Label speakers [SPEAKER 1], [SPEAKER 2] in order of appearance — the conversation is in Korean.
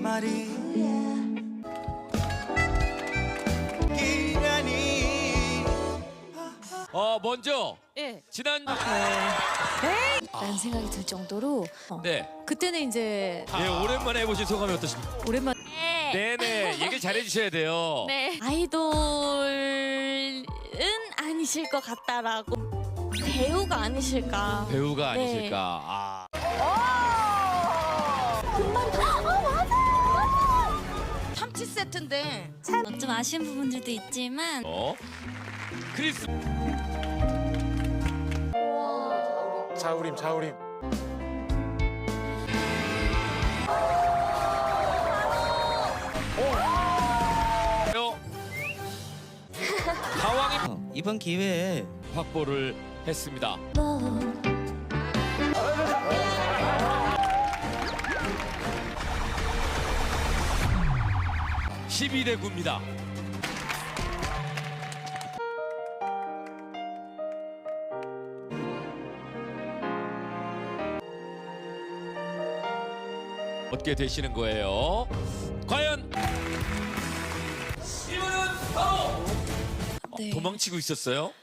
[SPEAKER 1] 말이
[SPEAKER 2] 먼저
[SPEAKER 3] 예.
[SPEAKER 2] 지난
[SPEAKER 4] 라는 생각이 들 정도로
[SPEAKER 2] 네.
[SPEAKER 4] 그때는 이제
[SPEAKER 2] 네, 오랜만에 해보신 소감이 어떠십니까?
[SPEAKER 4] 오랜만에
[SPEAKER 2] 네네, 얘기 잘해주셔야 돼요.
[SPEAKER 4] 네. 아이돌은 아니실 것 같다라고 배우가 아니실까.
[SPEAKER 2] 배우가
[SPEAKER 4] 네.
[SPEAKER 2] 아니실까. 아.
[SPEAKER 3] 참치 세트인데
[SPEAKER 4] 좀 아쉬운 부분들도 있지만
[SPEAKER 2] 크리스.
[SPEAKER 5] 자우림.
[SPEAKER 2] 가왕이
[SPEAKER 1] 이번 기회에
[SPEAKER 2] 확보를 했습니다. 뭐 12대 9입니다. 얻게 되시는 거예요. 과연 이분은 바로
[SPEAKER 4] 네.
[SPEAKER 2] 도망치고 있었어요.